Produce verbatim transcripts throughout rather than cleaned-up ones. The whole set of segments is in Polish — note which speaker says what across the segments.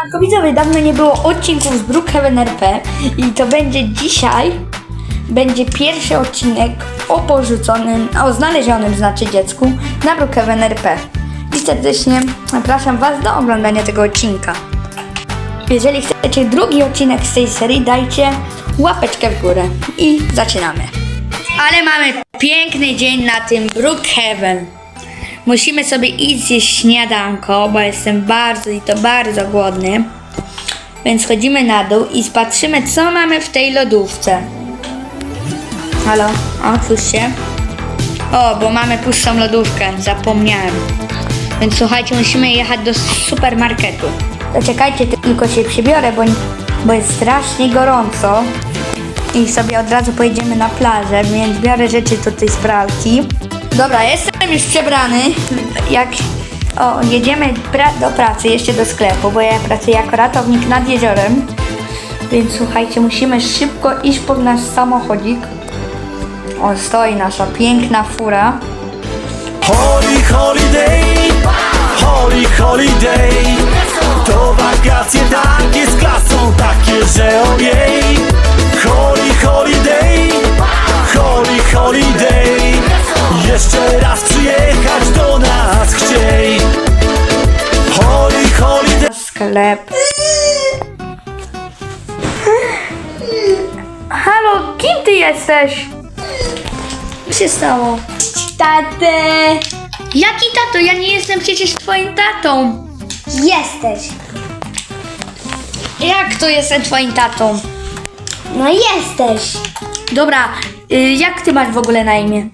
Speaker 1: Siemanko widzowie, dawno nie było odcinków z Brookhaven R P i to będzie dzisiaj, będzie pierwszy odcinek o porzuconym, o znalezionym znaczy dziecku na Brookhaven R P. I serdecznie zapraszam Was do oglądania tego odcinka. Jeżeli chcecie drugi odcinek z tej serii, dajcie łapeczkę w górę i zaczynamy. Ale mamy piękny dzień na tym Brookhaven. Musimy sobie iść zjeść śniadanko, bo jestem bardzo i to bardzo głodny. Więc chodzimy na dół i spatrzymy, co mamy w tej lodówce. Halo? Otwórz się. O, bo mamy pustą lodówkę, zapomniałem. Więc słuchajcie, musimy jechać do supermarketu. To czekajcie, tylko się przybiorę, bo, bo jest strasznie gorąco. I sobie od razu pojedziemy na plażę, więc biorę rzeczy tutaj z pralki. Dobra, jestem już przebrany. Jak o, jedziemy pra- do pracy, jeszcze do sklepu, bo ja pracuję jako ratownik nad jeziorem. Więc słuchajcie, musimy szybko iść po nasz samochodzik. O, stoi nasza piękna fura.
Speaker 2: Holy holiday, holy holiday. To wakacje takie z klasą, takie, że ojej. Holy holiday, holy holiday. Jeszcze raz przyjechać do nas chciej. Holy holiday.
Speaker 1: Sklep. Halo, kim ty jesteś? Co się stało?
Speaker 3: Tatę!
Speaker 1: Jaki tato? Ja nie jestem przecież twoim tatą.
Speaker 3: Jesteś!
Speaker 1: Jak to jestem twoim tatą?
Speaker 3: No jesteś!
Speaker 1: Dobra, y, jak ty masz w ogóle na imię?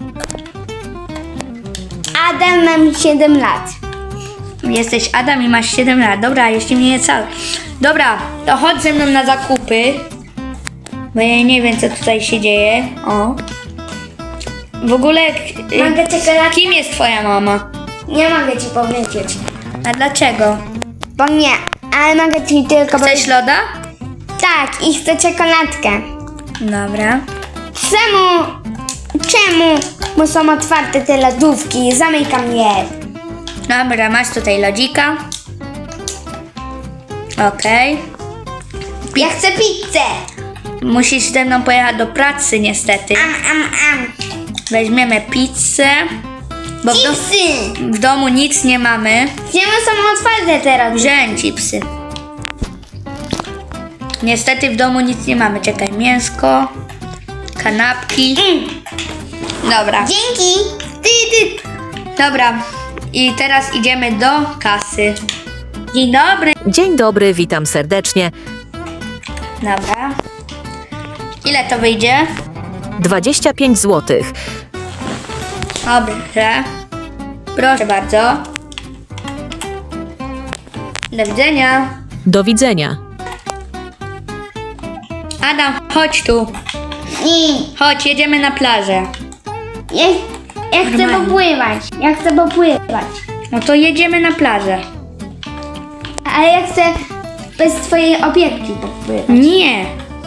Speaker 3: Adam, mam siedem lat.
Speaker 1: Jesteś Adam i masz siedem lat. Dobra, jeszcze mnie nie cały. Dobra, to chodź ze mną na zakupy. Bo ja nie wiem, co tutaj się dzieje. O. W ogóle, y,
Speaker 3: Mogę czekoladkę?
Speaker 1: kim jest twoja mama?
Speaker 3: Nie mogę ci powiedzieć.
Speaker 1: A dlaczego?
Speaker 3: Bo nie, ale mogę ci tylko
Speaker 1: Chcesz
Speaker 3: powiedzieć.
Speaker 1: loda?
Speaker 3: Tak, i chcę czekoladkę.
Speaker 1: Dobra.
Speaker 3: Czemu? Czemu? Bo są otwarte te lodówki. Zamykam je.
Speaker 1: Dobra, masz tutaj lodzika. Okej.
Speaker 3: Ja chcę pizzę.
Speaker 1: Musisz ze mną pojechać do pracy niestety.
Speaker 3: Am, am, am.
Speaker 1: Weźmiemy pizzę. Bo w, do,
Speaker 3: Chipsy.
Speaker 1: w domu nic nie mamy.
Speaker 3: Czemu są otwarte teraz?
Speaker 1: Wziąłem chipsy. Niestety w domu nic nie mamy. Czekaj, mięsko, kanapki.
Speaker 3: Mm.
Speaker 1: Dobra,
Speaker 3: Dzięki. Ty, ty.
Speaker 1: dobra. I teraz idziemy do kasy. Dzień dobry.
Speaker 4: Dzień dobry, witam serdecznie.
Speaker 1: Dobra. Ile to wyjdzie?
Speaker 4: dwadzieścia pięć złotych.
Speaker 1: Dobrze. Proszę bardzo. Do widzenia.
Speaker 4: Do widzenia.
Speaker 1: Adam, chodź tu.
Speaker 3: Nie.
Speaker 1: Chodź, jedziemy na plażę.
Speaker 3: Ja, ja chcę
Speaker 1: Normalnie.
Speaker 3: popływać. Ja chcę popływać.
Speaker 1: No to jedziemy na plażę.
Speaker 3: Ale ja chcę bez twojej opieki popływać.
Speaker 1: Nie.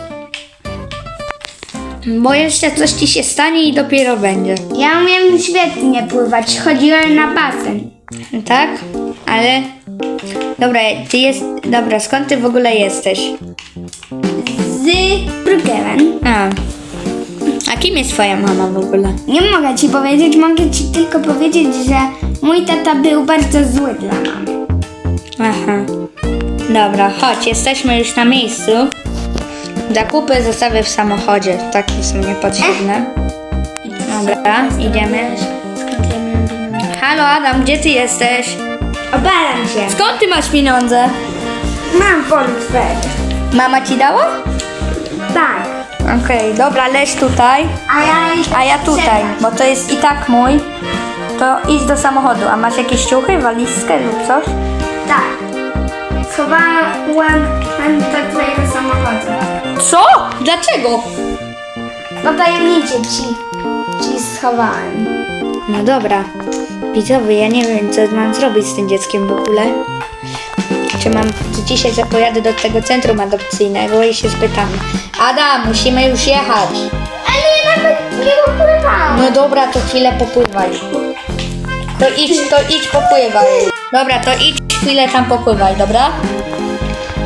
Speaker 1: Bo jeszcze coś ci się stanie i dopiero będzie.
Speaker 3: Ja umiem świetnie pływać. Chodziłem na basen.
Speaker 1: Tak? Ale... Dobra, ty jest... Dobra, skąd ty w ogóle jesteś?
Speaker 3: Z Brookhaven.
Speaker 1: A. A kim jest twoja mama w ogóle?
Speaker 3: Nie mogę ci powiedzieć, mogę ci tylko powiedzieć, że mój tata był bardzo zły dla mamy.
Speaker 1: Aha. Dobra, chodź, jesteśmy już na miejscu. Zakupy zostawię w samochodzie. Takie są niepotrzebne. Dobra, idziemy. Halo Adam, gdzie ty jesteś?
Speaker 3: Obalam się.
Speaker 1: Skąd ty masz pieniądze?
Speaker 3: Mam portfel.
Speaker 1: Mama ci dała?
Speaker 3: Tak.
Speaker 1: Okej, dobra, leż tutaj,
Speaker 3: A ja jeszcze
Speaker 1: a ja tutaj, bo to jest i tak mój. To idź do samochodu. A masz jakieś ciuchy, walizkę lub coś?
Speaker 3: Tak. Schowałam do twojego samochodu.
Speaker 1: Co? Dlaczego?
Speaker 3: No tajemnicie ci, ci schowałem.
Speaker 1: No dobra. Widzowie, ja nie wiem, co mam zrobić z tym dzieckiem w ogóle. Czy mam, czy dzisiaj zapojadę do tego centrum adopcyjnego i się spytam. Adam, musimy już jechać.
Speaker 3: Ale ja nawet nie popływałam.
Speaker 1: No dobra, to chwilę popływaj. To idź, to idź popływaj. Dobra, to idź chwilę tam popływaj, dobra?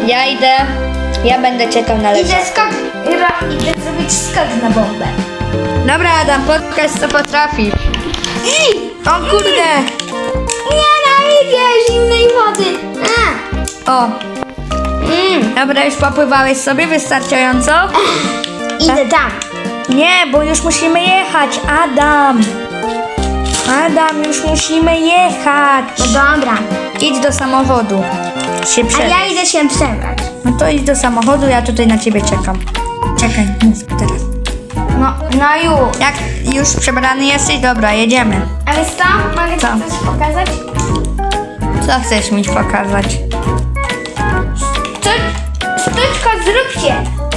Speaker 1: Ja idę, ja będę czekał na
Speaker 3: Idę
Speaker 1: leżaku.
Speaker 3: skok, ro- idę zrobić skok na bombę.
Speaker 1: Dobra, Adam, pokaż co potrafisz. O kurde!
Speaker 3: Nienawidzę zimnej wody. A.
Speaker 1: O! Mm, dobra, już popływałeś sobie wystarczająco?
Speaker 3: Idę tam.
Speaker 1: Nie, bo już musimy jechać, Adam! Adam, już musimy jechać!
Speaker 3: No dobra.
Speaker 1: Idź do samochodu. Się
Speaker 3: A
Speaker 1: prze...
Speaker 3: ja idę się przebrać.
Speaker 1: No to idź do samochodu, ja tutaj na ciebie czekam. Czekaj, mów teraz.
Speaker 3: No, no już.
Speaker 1: Jak już przebrany jesteś? Dobra, jedziemy.
Speaker 3: A wiesz co? Mogę ci
Speaker 1: Co?
Speaker 3: coś pokazać?
Speaker 1: Co chcesz mi pokazać?
Speaker 3: Sztu- Sztuczko, zróbcie.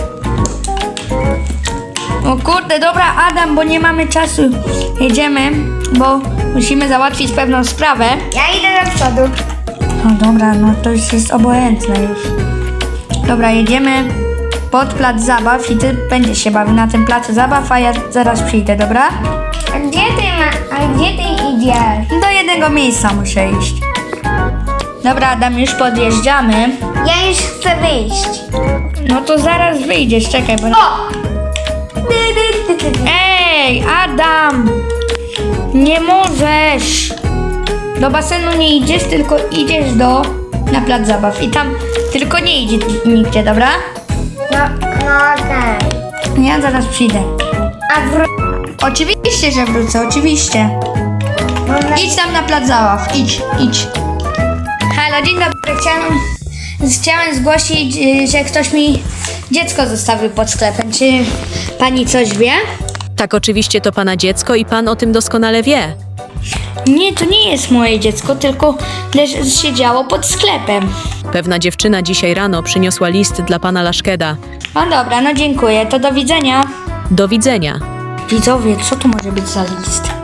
Speaker 1: O kurde, dobra, Adam, bo nie mamy czasu. Jedziemy, bo musimy załatwić pewną sprawę.
Speaker 3: Ja idę do przodu.
Speaker 1: No dobra, no to już jest obojętne już. Dobra, jedziemy pod plac zabaw i ty będziesz się bawił na tym placu zabaw, a ja zaraz przyjdę, dobra?
Speaker 3: A gdzie ty ma... A gdzie ty idziesz?
Speaker 1: Do jednego miejsca muszę iść. Dobra, Adam, już podjeżdżamy.
Speaker 3: Ja już chcę wyjść.
Speaker 1: No to zaraz wyjdziesz, czekaj, bo...
Speaker 3: O! Dy, dy, dy, dy, dy.
Speaker 1: Ej, Adam! Nie możesz! Do basenu nie idziesz, tylko idziesz do... na plac zabaw i tam tylko nie idzie nigdzie, dobra?
Speaker 3: No, no okej.
Speaker 1: Ja zaraz przyjdę.
Speaker 3: A wró...
Speaker 1: Oczywiście, że wrócę, oczywiście.
Speaker 3: Mam na...
Speaker 1: Idź tam na plac zabaw, idź, idź. Halo, dzień dobry, chciałem, chciałem zgłosić, y, że ktoś mi dziecko zostawił pod sklepem. Czy pani coś wie?
Speaker 4: Tak, oczywiście to pana dziecko i pan o tym doskonale wie.
Speaker 1: Nie, to nie jest moje dziecko, tylko leż- siedziało pod sklepem.
Speaker 4: Pewna dziewczyna dzisiaj rano przyniosła list dla pana Laszkeda.
Speaker 1: No dobra, no dziękuję, to do widzenia.
Speaker 4: Do widzenia.
Speaker 1: Widzowie, co tu może być za list?